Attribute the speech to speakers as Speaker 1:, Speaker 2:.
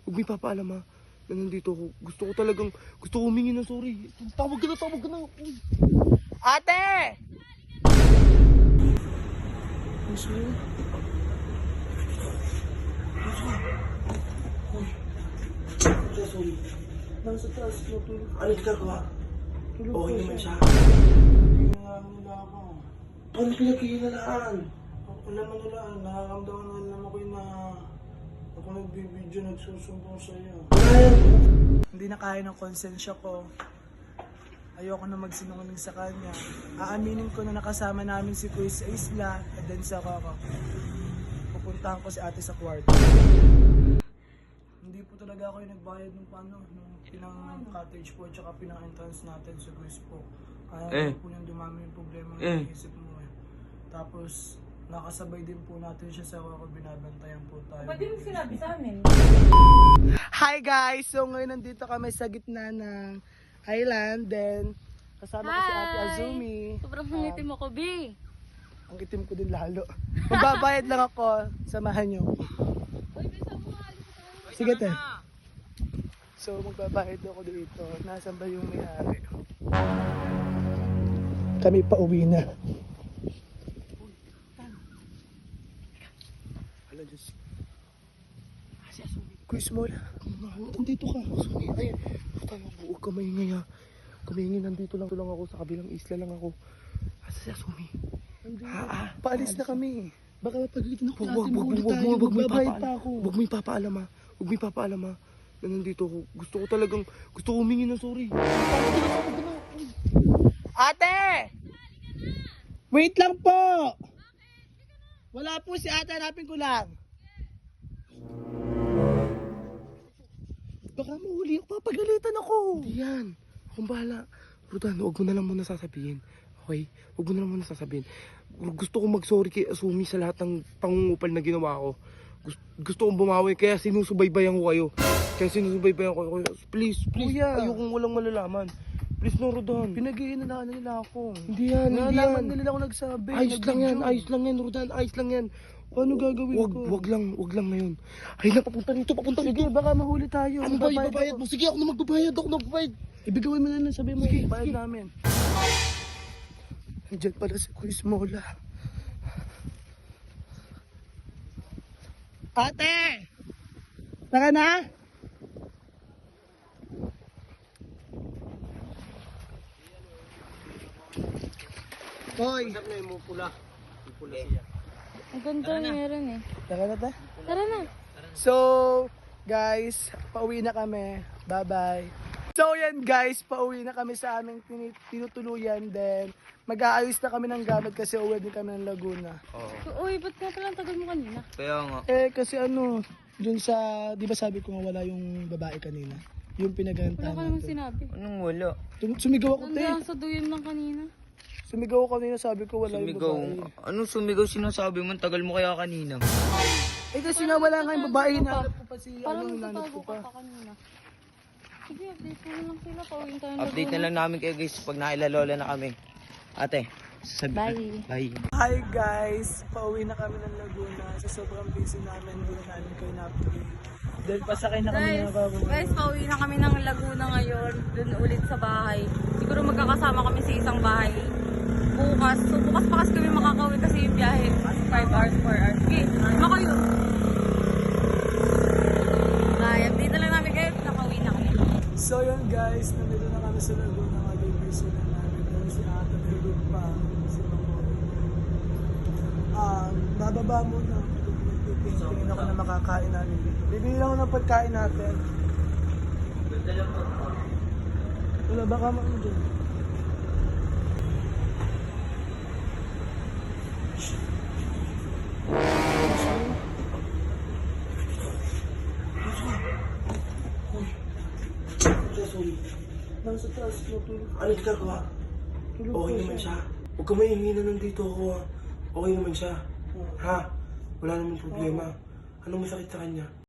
Speaker 1: Huwag mo ipapaalam ha, na nandito ako. Gusto ko humingi ng sorry. Tawag ka na. Uy. Ate! Sorry. Uy. Sorry. Nasa taas ko tulog. Ano ginagawa? Okay naman siya. Hindi na ako. Paano pinagkikinalaan? Wala man nalaan. Nakakamdaman na naman ako na ako nagbibideo, nagsusumbong sa'yo. Hindi na kaya ng konsensya ko. Ayoko na magsinungaling sa kanya. Aaminin ko na nakasama namin si Kuya sa isla at then sa kaka. Pupuntahan ko si ate sa kwarto. Hindi po talaga ako yung nagbayad ng nung pinang-cottage po at saka pinang-entrance natin sa Kuya po. Kaya po yung dumami yung problema ng isip mo eh. Tapos, nakasabay din po natin siya sa kaka, binabantayan po tayo.
Speaker 2: Pwede mo sinabi sa amin?
Speaker 1: Hi guys! So ngayon nandito kami sa gitna ng island. Then, kasama ko si Ate Azumi.
Speaker 2: Sobrang nangitim ako, B.
Speaker 1: Ang itim ko din lalo. Magbabayad lang ako. Samahan nyo. Sige te. So magbabayad ako dito. Nasaan ba yung may-ari? Kami pa uwi na. Hala Diyos. Kuya Small, nandito ka. Ay, huwag ka maingay ha. Kumaingay, nandito lang ako sa kabilang isla lang ako. Asa si Asumi? Paalis na kami. Baka mapagalitan ako natin. Huwag mo ipapaalam ha. Huwag mo ipapaalam ha. Na nandito ako. Gusto ko humingi ng sorry. Ate! Wait lang po! Wala po si ate, hanapin ko lang. Baka mahuli ako, papagalitan ako. Hindi yan. Akong bahala. Rodan, huwag mo na lang muna sasabihin. Okay? Huwag mo na lang muna sasabihin. Gusto kong mag-sorry kay Asumi sa lahat ng pangungupal na ginawa ko. Gusto kong bumawi, kaya sinusubaybayan ko kayo. Please, Kuya. Ayokong walang malalaman. Please no, Rodan.
Speaker 2: Pinag-iinalaman nila ako.
Speaker 1: Hindi yan.
Speaker 2: Nalaman nila ako nagsabi.
Speaker 1: Ayos lang yan, Rodan. Ayos lang yan.
Speaker 2: Paano gagawin ko?
Speaker 1: Wag lang ngayon. Ay na, papunta rito.
Speaker 2: Sige, baka mahuli tayo.
Speaker 1: Ano ba, ibabayad mo? Sige, ako na magbabayad.
Speaker 2: Ibigawin mo na lang, sabi mo.
Speaker 1: Sige,
Speaker 2: bayad
Speaker 1: sige.
Speaker 2: namin.
Speaker 1: Nandiyan pala si Kuya Smola. Ate! Tara na! Hoy!
Speaker 2: Saan na yung pula? Yung pula siya.
Speaker 3: Ang ganda meron eh.
Speaker 1: Tara na ta.
Speaker 3: Tara na.
Speaker 1: So, guys, pauwi na kami. Bye-bye. So, yan guys, pauwi na kami sa aming tinutuluyan. Then, mag-aayos na kami ng gamit kasi uwi din kami ng Laguna.
Speaker 3: Uy, ba't nga pala ang tagal mo kanina?
Speaker 2: Kaya nga.
Speaker 1: Kasi dun sa, di ba sabi ko nga wala yung babae kanina? Yung
Speaker 3: Wala
Speaker 1: pinaghantahan
Speaker 3: ka namang
Speaker 1: natin.
Speaker 3: sinabi.
Speaker 2: Anong wala?
Speaker 1: Sumigaw ako, te.
Speaker 3: Nandiyan sa duyem lang kanina.
Speaker 1: Sumigaw ako kanina, sabi ko wala
Speaker 2: Sumigaw.
Speaker 1: yung babae.
Speaker 2: Anong sumigaw sinasabi mo? Tagal mo kaya kanina.
Speaker 1: Kasi nga wala nga yung babae, hinanap ko pa si,
Speaker 3: Parang
Speaker 1: hinanap
Speaker 3: nagtatago
Speaker 1: ko
Speaker 3: ka
Speaker 1: pa.
Speaker 3: pa kanina. Sige, update mo na lang sila. Pauwiin tayo ng
Speaker 2: Update na
Speaker 3: Laguna.
Speaker 2: lang namin kayo guys pag nailalola na kami. Ate, sabi
Speaker 3: Bye.
Speaker 2: Bye.
Speaker 1: Hi guys! Pauwi na kami ng Laguna. Sa sobrang busy namin, wala namin kayo na-update. Then pasakay na kami ng bago.
Speaker 3: Guys, pauwi na kami ng Laguna ngayon. Doon ulit sa bahay. Siguro magkakasama kami sa isang bahay. Bukas. So bukas pa kasi kami makakauwi kasi yung biyahe. 5 hours, 4 hours. Sige, ano kayo? Bye. Update na lang namin kayo. Nakauwi na kami.
Speaker 1: So yun guys, nandito na kami sa Laguna. Mag-busy na namin. Then si Ate Pilot pa. Si Mamo. Bababa muna. Tingin ako na makakain namin dito. Bibili lang ako ng pagkain natin. Wala baka ano dyan. Sorry. Nasa taas ko tulog. Ano ginagawa? Okay naman siya. Huwag ka maingay na nandito ako ha. Okay naman siya. Ha? Wala namang problema. Anong masakit sa kanya?